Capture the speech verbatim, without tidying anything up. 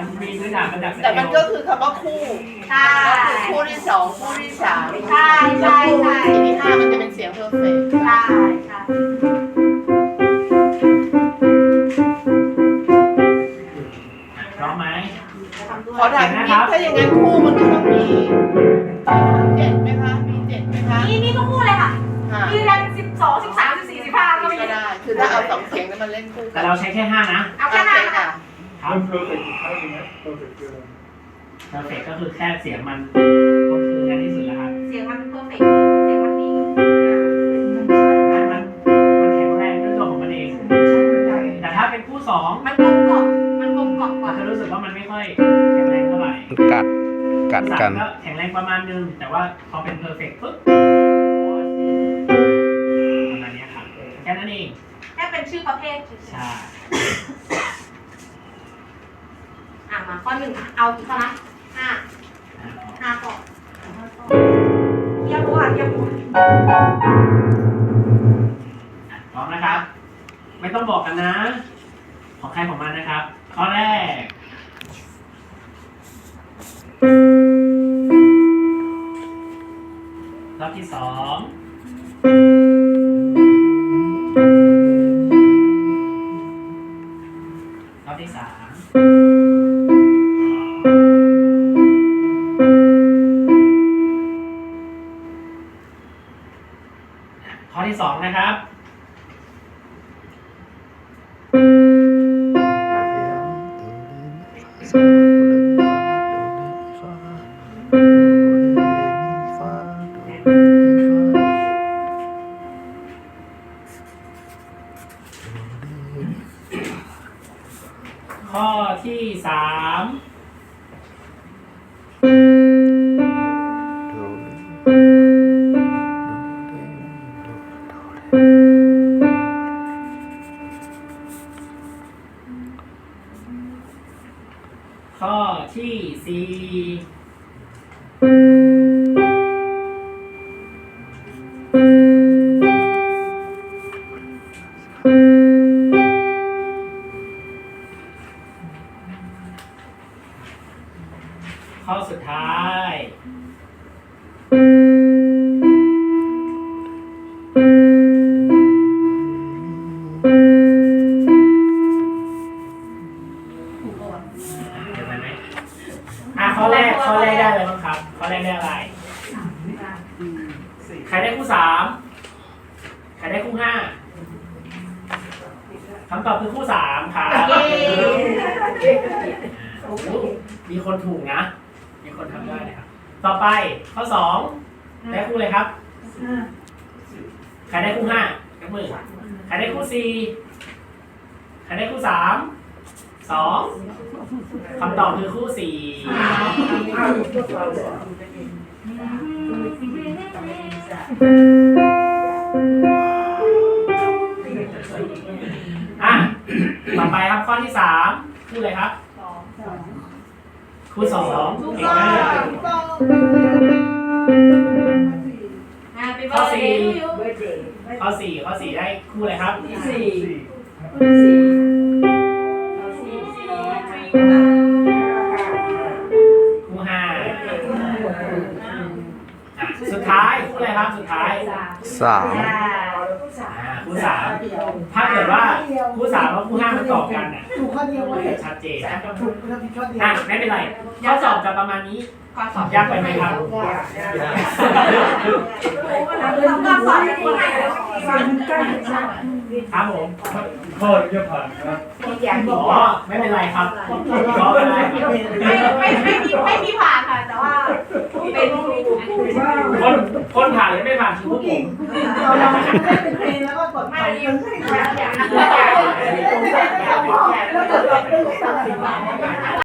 มันมีพื้นฐานมาจากสเกลแต่มันก็คือคำว่าคู่ใช่คู่ที่สองคู่ที่สามใช่ใช่ใช่คู่ที่ห้ามันจะเป็นเสียงเพอร์เฟกต์ใช่ใช่พร้อมไหมขอถามนิดถ้าอย่างนั้นคู่มันก็ต้องมีเจ็ดไหมคะมีเจ็ดไหมคะนี่นี่ก็พูดเลยค่ะค่ะมีแรงสิบสองสิบสามสิบสี่สิบห้าก็มีก็ได้คือถ้าเอาสองเสียงนั้นมาเล่นคู่กัแต่นเราใช้แค่ห้านะเอาแค่นั้นค่ะครับมันเพอร์เฟกต์อีกครั้งหนึงนะเพอร์เฟกต์คืออะไรเพอร์เฟกก็คือแค่เสียงมันก็คือกันที่สุดแล้วครับเสียงมันเพอร์เฟกต์เสียงมันดีมันมันมันแข็งแรงด้วยตัวของมันเอง แต่ถ้าเป็นคู่สองมันกลมกล่อมมันกลมกล่อมกมัว่านจะรู้สึกว่ามันไม่ค่อยแข็งแรงเท่าไหร่กัดกัดคู่กัสาน มก็แข็งแรงประมาณนึง แต่ว่าพอเป็นเพอร์เฟกปุ๊บประมาณนี้ครับแค่นั้นเองแค่เป็นชื่อประเภทเฉยใช่ๆอ่ะมาข้อหนึ่งเอากี่ข้อนะห้าห้าข้อเยี่ยมรู้ค่ะเยี่ยมรู้พร้อมนะครับ ไม่ต้องบอกกันนะ ของใครของมันนะครับ ข้อแรก รอบที่สองรอบที่สามข้อที่สองนะครับ ข้อที่สามข้อที่สี่ข้อสุดท้ายเดี๋ยวไปไหมอ่ะข้อแรกข้อแรกได้เลยบ้างครับ ข้อแรกได้อะไร ใครได้คู่สามใครได้คู่ห้าคำตอบคือคู่สามครับโอ้โหมีคนถูกนะ มีคนทำได้นะครับ ต่อไปข้อสองได้คู่เลยครับ ใครได้คู่ห้ายกมือ ใครได้คู่สี่ใครได้คู่สามสองคำตอบคือคู่สี่อ่ะต่อไปครับข้อที่สามคู่อะไรครับคู่สองเก่งมากข้อสี่ข้อสี่ข้อสี่ได้คู่อะไรครับสี่คู่ห้าอ่ะสุดท้ายคู่อะไรครับสุดท้ายสามอ่าคู่สามถ้าเกิดว่าคู่สามกับคู่ห้ามันตอบกันอ่ะถูกข้อเดียวเว้ยชัดเจนถูกข้อเดียวข้อเดียวอ่ะไม่เป็นไรข้อสอบจะประมาณนี้ข้อสอบยากไปไหมครับต้องการสอนให้คนไหนครับผมข้อนี้จะผ่านนะอ๋อไม่เป็นไรครับขอไม่เป็นไรครับไม่ไม่ไม่มีไม่มีผ่านค่ะ แต่ว่าเป็นครูคนคนผ่านหรือไม่ผ่านคือพวกผมเราเราเล่นเป็นเพลงแล้วก็กดไปไม่มันมีให้อย่างแล้วกดแบบ